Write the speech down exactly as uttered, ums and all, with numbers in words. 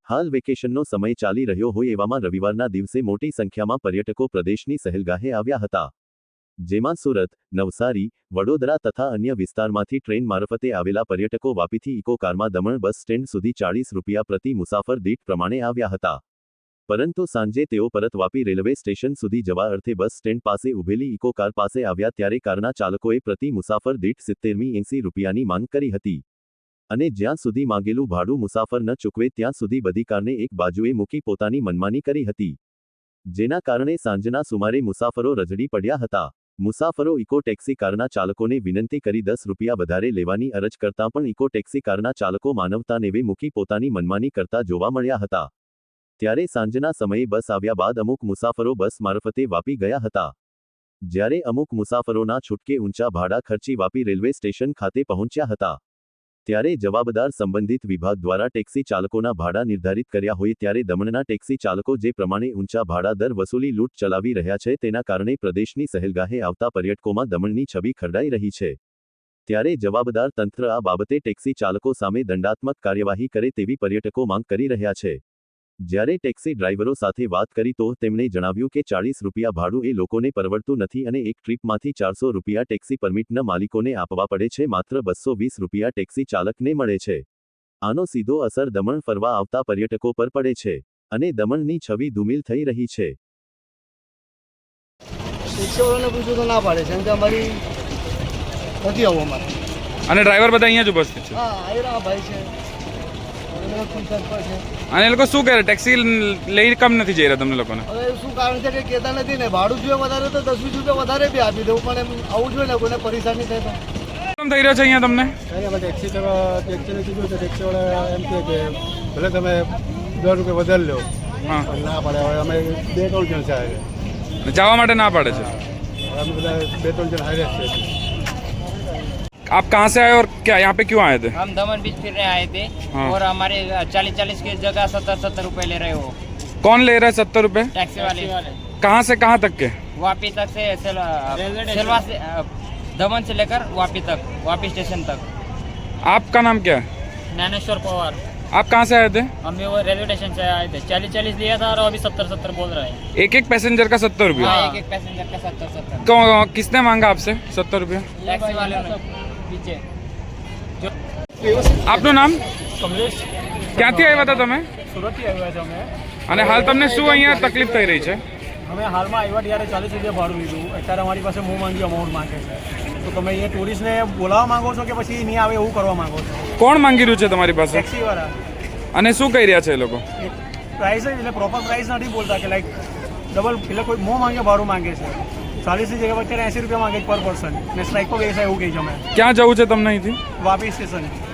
હાલ વેકેશનનો સમય ચાલી રહ્યો હોય એવામાં રવિવારના દિવસે મોટી સંખ્યામાં પર્યટકો પ્રદેશની સહેલગાહે આવ્યા હતા, જેમાં સુરત, નવસારી, વડોદરા તથા અન્ય વિસ્તારમાંથી ટ્રેન મારફતે આવેલા પર્યટકો વાપીથી ઇકો કારમાં દમણ બસ સ્ટેન્ડ સુધી ચાળીસ રૂપિયા પ્રતિ મુસાફર દીઠ પ્રમાણે આવ્યા હતા. પરંતુ સાંજે તેઓ પરત વાપી રેલવે સ્ટેશન સુધી જવા અર્થે બસ સ્ટેન્ડ પાસે ઉભેલી ઇકો કાર પાસે આવ્યા ત્યારે કારના ચાલકોએ પ્રતિ મુસાફર દીઠ સિત્તેરમી એંસી રૂપિયાની માંગ કરી હતી અને જ્યાં સુધી માંગેલું ભાડું મુસાફર ન ચૂકવે ત્યાં સુધી બધી કારને એક બાજુએ મૂકી પોતાની મનમાની કરી હતી, જેના કારણે સાંજના સુમારે મુસાફરો રજડી પડ્યા હતા. મુસાફરો ઇકો ટેક્સી કારના ચાલકોને વિનંતી કરી દસ રૂપિયા વધારે લેવાની અરજ કરતાં પણ ઇકો ટેક્સી કારના ચાલકો માનવતા નેવે મૂકી પોતાની મનમાની કરતા જોવા મળ્યા હતા. ત્યારે સાંજના સમયે બસ આવ્યા બાદ અમુક મુસાફરો બસ મારફતે વાપી ગયા હતા, જ્યારે અમુક મુસાફરોના છૂટકે ઊંચા ભાડા ખર્ચી વાપી રેલવે સ્ટેશન ખાતે પહોંચ્યા હતા. ત્યારે જવાબદાર સંબંધિત વિભાગ દ્વારા ટેક્સી ચાલકોના ભાડા નિર્ધારિત કર્યા હોય ત્યારે દમણના ટેક્સી ચાલકો જે પ્રમાણે ઊંચા ભાડા દર વસૂલી લૂંટ ચલાવી રહ્યા છે તેના કારણે પ્રદેશની સહેલગાહે આવતા પર્યટકોમાં દમણની છબી ખરડાઈ રહી છે. ત્યારે જવાબદાર તંત્ર આ બાબતે ટેક્સી ચાલકો સામે દંડાત્મક કાર્યવાહી કરે તેવી પર્યટકો માંગ કરી રહ્યા છે. જ્યારે ટેક્સી ડ્રાઈવરો સાથે વાત કરી તો તેમણે જણાવ્યું કે ચાળીસ રૂપિયા ભાડું એ લોકોને પરવડતું નથી અને એક ટ્રીપમાંથી ચારસો રૂપિયા ટેક્સી પરમિટના માલિકોને આપવા પડે છે, માત્ર બસો વીસ રૂપિયા ટેક્સી ચાલકને મળે છે. આનો સીધો અસર દમણ ફરવા આવતા પર્યટકો પર પડે છે અને દમણની છબી ધૂમિલ થઈ રહી છે. રિક્ષાવાળાને પૂછું તો ના પાડે છે કે અમારી નથી આવું અમારે, અને ડ્રાઈવર બધા અહીંયા જ ઉપસ્થિત છે. હા આયરા ભાઈ છે અને એ લોકો શું કરે ટેક્સી લઈ કમ નથી જઈ રહ્યા તમને લોકોને? હવે શું કારણ છે કે કહેતા નથી ને, ભાડું જોઈએ વધારે તો દસ વીસ રૂપિયા વધારે બી આપી દઉં, પણ એમ આવું જોઈએ ને કોઈને પરેશાની થાય તો. કેમ થઈ રહ્યો છે અહીંયા તમને? અમે ટેક્સી ટેક્સીને કીધું તો ટેક્સીવાળા એમ કહે કે ભલે તમે દસ રૂપિયા વધારે લો, હા ના પાડે. હવે અમે બે ત્રણ જણ છે, જવા માટે ના પાડે છે. અમે બધા બે ત્રણ જણ હારે છે. आप कहाँ से आए और क्या यहाँ पे क्यों आए थे? हम दमन बीच फिरने आए थे हाँ। और हमारे चालीस चालीस की जगह सत्तर सत्तर रुपए ले रहे हो. कौन ले रहा है सत्तर रुपए? टैक्सी वाले. कहाँ से कहाँ तक के? वापी तक से सेलवा से दमन से लेकर वापी तक, वापी स्टेशन तक. आपका नाम क्या है? ज्ञानेश्वर पवार. आप कहाँ से आए थे? हम वो रेलवे स्टेशन से आए थे. चालीस चालीस लिया था और अभी सत्तर सत्तर बोल रहे हैं. एक एक पैसेंजर का सत्तर रुपया? एक एक पैसेंजर का सत्तर सत्तर. तो किसने मांगा आपसे सत्तर रुपया? टैक्सी वाले पीछे. આપનું નામ? કમલેશ. ક્યાંથી આવ્યા હતા તમે? સુરતથી આવ્યા છે અમે. અને હાલ તમને શું અહીંયા તકલીફ થઈ રહી છે? અમે હાલમાં આવ્યા ત્યારે ચાલીસ રૂપિયા ભાડું લીધું, અત્યારે અમારી પાસે મોં માંગી અમાઉન્ટ માંગે છે. તો તમે અહીંયા ટુરિસ્ટને બોલાવવા માંગો છો કે પછી નહીં આવે એવું કરવા માંગો છો? કોણ માંગી રહ્યું છે તમારી પાસે? ટેક્સીવાળા. અને શું કહી રહ્યા છે એ લોકો? પ્રાઇસ એટલે પ્રોપર પ્રાઇસ નથી બોલતા કે લાઈક ડબલ, એટલે કોઈ મોં માંગે ભાડું માંગે છે. ચાલીસની જગ્યાએ અત્યારે એંસી રૂપિયા માંગે પર પર્સન ને સ્ટ્રાઇક પર બેસાય એવું કહે છે. અમે ક્યાં જવું છે તમને અહીંથી? વાપી સ્ટેશન.